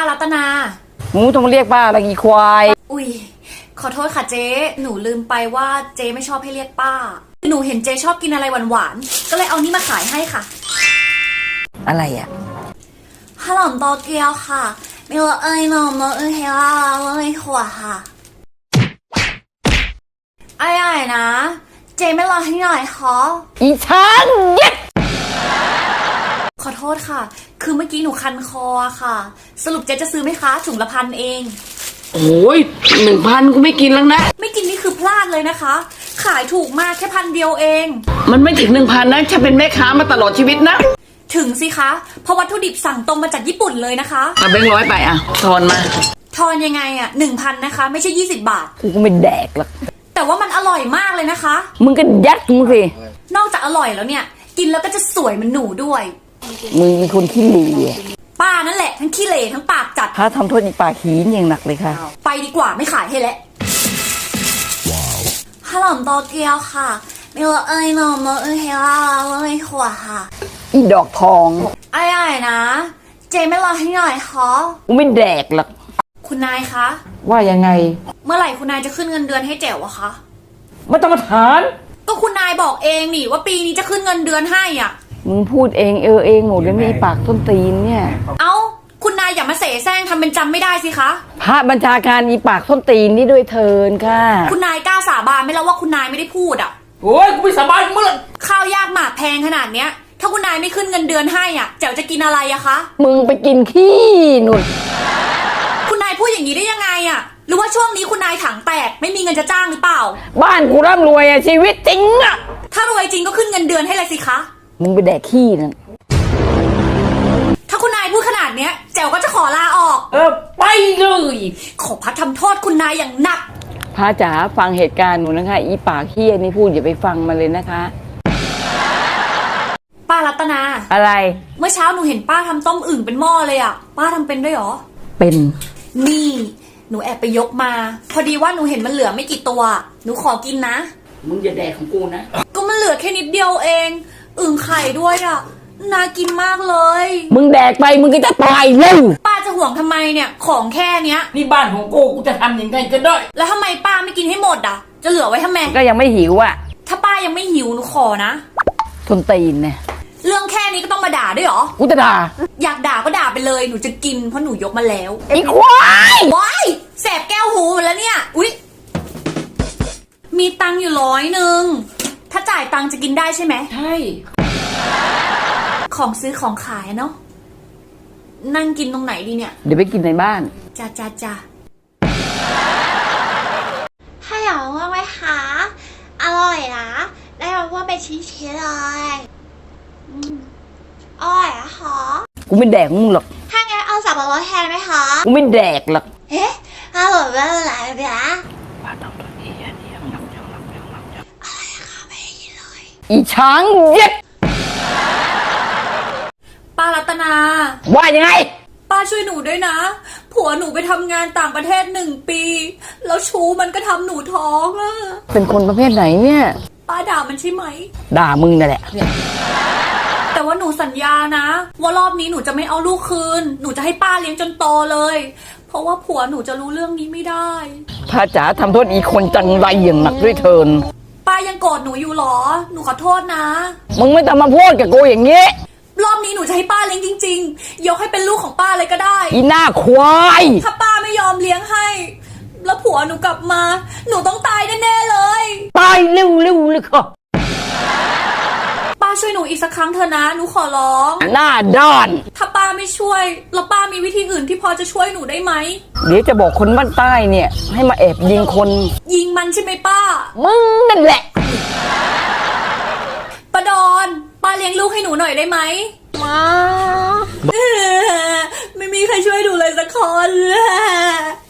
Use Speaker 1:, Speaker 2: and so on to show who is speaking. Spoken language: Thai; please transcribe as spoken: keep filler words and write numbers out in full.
Speaker 1: รัตนา
Speaker 2: หนูต้องมาเรียกป้าอะไรอีควาย
Speaker 1: อุ้ยขอโทษค่ะเจ๊หนูลืมไปว่าเจ๊ไม่ชอบให้เรียกป้าหนูเห็นเจ๊ชอบกินอะไรหวานๆก็เลยเอานี่มาขายให้ค่ะ
Speaker 2: อะไรอ่ะ
Speaker 1: ขนมโตเกียวค่ะมีรสเอ้ยนมรสเอ้ยเฮล่ารสเอ้ยถั่วค่ะอร่อยนะเจ๊ไม่รอให้หน่อยขอ
Speaker 2: อีช้างเย็ด
Speaker 1: ขอโทษค่ะคือเมื่อกี้หนูคันคอค่ะสรุปเจ๊จะซื้อไหมคะถุงละพันเอง
Speaker 2: โอ้ยหนึ่งพันกูไม่กินแล้วนะ
Speaker 1: ไม่กินนี่คือพลาดเลยนะคะขายถูกมากแค่พันเดียวเอง
Speaker 2: มันไม่ถึงหนึ่งพันนะฉันเป็นแม่ค้ามาตลอดชีวิตนะ
Speaker 1: ถึงสิคะเพราะวัตถุดิบสั่งตรงมาจากญี่ปุ่นเลยนะคะ
Speaker 2: เอาแบงค์ร้อยไปอ่ะทอนมา
Speaker 1: ทอนยังไงอ่ะหนึ่งพันนะคะไม่ใช่ยี่สิบบาท
Speaker 2: กูก็ไม่แดกหรอก
Speaker 1: แต่ว่ามันอร่อยมากเลยนะคะ
Speaker 2: มึงก็ยัดมึงสิ
Speaker 1: นอกจากอร่อยแล้วเนี่ยกินแล้วก็จะสวยเหมือนหนูด้วย
Speaker 2: มึงเป็นคนขี้เหร่
Speaker 1: ป้านั่นแหละทั้งขี้เหร่ทั้งปากจัด
Speaker 2: ถ้าทำโทษอีปากหีนอย่างหนักเลยค่ะ
Speaker 1: ไปดีกว่าไม่ขายให้แล้วขนมโตเกียวค่ะมีรสเอ้ยนมรสเอ้ยเฮล่ารสเอ้ยถั่วค่ะ
Speaker 2: อีดอกทอง
Speaker 1: อร่อยนะเจไม่รอให้หน่อยขอ
Speaker 2: กูไม่แดกหรอก
Speaker 1: คุณนายคะ
Speaker 2: ว่ายังไง
Speaker 1: เมื่อไหร่คุณนายจะขึ้นเงินเดือนให้แจ๋วอะคะ
Speaker 2: ไม่ต้องมาถาม
Speaker 1: ก็คุณนายบอกเองนี่ว่าปีนี้จะขึ้นเงินเดือนให้อ่ะ
Speaker 2: มึงพูดเองเออเองหมดเลยไม่ปากต้นตีนเนี่ย
Speaker 1: เอ้าคุณนายอย่ามาเสแสร้งทำเป็นจำไม่ได้สิคะ
Speaker 2: พระบัญชาการอีปากต้นตีนนี่ด้วยเทินค่ะ
Speaker 1: คุณนายกล้าสาบานไหมแล้วว่าคุณนายไม่ได้พูดอ่ะ
Speaker 2: โอ้ยกูไม่สาบานมึง
Speaker 1: ข้าวยากหมากแพงขนาดเนี้ยถ้าคุณนายไม่ขึ้นเงินเดือนให้อ่ะแจ๋วจะกินอะไรอะคะ
Speaker 2: มึงไปกินขี้หนุน
Speaker 1: คุณนายพูดอย่างนี้ได้ยังไงอะหรือว่าช่วงนี้คุณนายถังแตกไม่มีเงินจะจ้างหรือเปล่า
Speaker 2: บ้านกูร่ำรวยอะชีวิตจริงอะ
Speaker 1: ถ้ารวยจริงก็ขึ้นเงินเดือนให้เลยสิคะ
Speaker 2: มึงไปแดกขี้นั่น
Speaker 1: ถ้าคุณนายพูดขนาดเนี้ยแจ๋วก็จะขอลาออก
Speaker 2: เออไปเลย
Speaker 1: ขอพัดทำโทษคุณนายอย่างหนัก
Speaker 2: พระจ๋าฟังเหตุการณ์หนูนะคะอีปากเฮี้ยนี่พูดอย่าไปฟังมาเลยนะคะ
Speaker 1: ป้ารัตนา
Speaker 2: อะไร
Speaker 1: เมื่อเช้าหนูเห็นป้าทำต้มอึ่งเป็นหม้อเลยอ่ะป้าทำเป็นด้วยหรอ
Speaker 2: เป็น
Speaker 1: นี่หนูแอบไปยกมาพอดีว่าหนูเห็นมันเหลือไม่กี่ตัวหนูขอกินนะ
Speaker 2: มึงอย่าแดกของกูนะ
Speaker 1: ก็มันเหลือแค่นิดเดียวเองอึ่งไข่ด้วยอ่ะน่ากินมากเลย
Speaker 2: มึงแดกไปมึงก็จะตายเลย
Speaker 1: ป้าจะห่วงทำไมเนี่ยของแค่เนี้ย
Speaker 2: นี่บ้านของกูกูจะทำยังไงก็ได้
Speaker 1: แล้วทำไมป้าไม่กินให้หมดอ่ะจะเหลือไว้ทำไม
Speaker 2: ก็ยังไม่หิวอ่ะ
Speaker 1: ถ้าป้ายังไม่หิวหนูขอนะ
Speaker 2: ทนตีนเนี่ย
Speaker 1: เรื่องแค่นี้ก็ต้องมาด่าด้วยเหรอ
Speaker 2: กูจะด่า
Speaker 1: อยากด่าก็ด่าไปเลยหนูจะกินเพราะหนูยกมาแล้ว
Speaker 2: ไอ้ควาย
Speaker 1: ว้ายแสบแก้วหูแล้วเนี่ยอุ๊ยมีตังค์อยู่ร้อยหนึ่งถ้าจ่ายตังค์จะกินได้ใช่ไหม
Speaker 2: ใช่
Speaker 1: ของซื้อของขายเนาะนั่งกินตรงไหนดีเนี่ย
Speaker 2: เดี๋ยวไปกินในบ้าน
Speaker 1: จ้าจ้าจ้าให้หรอว่าไหมคะอร่อยนะได้มาว่าเป็นชิ้นๆเลยอร่อยอะคะ
Speaker 2: กูไม่แดกมึงหรอก
Speaker 1: ถ้างั้นเอาสับปะรดแทนไหมคะ
Speaker 2: กูไม่แดกหรอก
Speaker 1: เอ๊ะอร่อยมากเลยนะ
Speaker 2: ป้าต้องตัวนี้อันนี้ยังนับยังนับยังนับยัง
Speaker 1: อะไรคะไม่ได้ยินเลย
Speaker 2: อีช้างเย็ด
Speaker 1: ป้ารัตนา
Speaker 2: ว่ายังไง
Speaker 1: ป้าช่วยหนูด้วยนะผัวหนูไปทำงานต่างประเทศหนึ่งปีแล้วชูมันก็ทำหนูท้องอะ
Speaker 2: เป็นคนประเภทไหนเนี่ย
Speaker 1: ป้าด่ามันใช่ไหม
Speaker 2: ด่ามึงนั่นแหละ
Speaker 1: แต่ว่าหนูสัญญานะว่ารอบนี้หนูจะไม่เอาลูกคืนหนูจะให้ป้าเลี้ยงจนโตเลยเพราะว่าผัวหนูจะรู้เรื่องนี้ไม่ได้
Speaker 2: พระจ๋าทำโทษอีคนจังไรอย่างหนักด้วยเทิน
Speaker 1: ป้ายังโกรธหนูอยู่หรอหนูขอโทษนะ
Speaker 2: มึงไม่ต้องมาพูดกับกูอย่างนี้
Speaker 1: รอบนี้หนูจะให้ป้าเลี้ยงจริงๆยกให้เป็นลูกของป้าเลยก็ได้
Speaker 2: อีหน้าควาย
Speaker 1: ถ้าป้าไม่ยอมเลี้ยงให้แล้วผัวหนูกลับมาหนูต้องตายแน่ๆเลย
Speaker 2: ตายเร็วๆเลยค่ะ
Speaker 1: ป้าช่วยหนูอีกสักครั้งเถอะนะหนูขอร้อง
Speaker 2: หน้าด้าน
Speaker 1: ถ้าป้าไม่ช่วยแล้วป้ามีวิธีอื่นที่พอจะช่วยหนูได้ไหม
Speaker 2: เดี๋ยวจะบอกคนบ้านใต้เนี่ยให้มาแอบยิงคน
Speaker 1: ยิงมันใช่ไหมป้า
Speaker 2: มึงนั่นแหละ
Speaker 1: ป้าดอนป้าเลี้ยงลูกให้หนูหน่อยได้ไหม
Speaker 2: มา
Speaker 1: ไม่มีใครช่วยดูเลยสักคน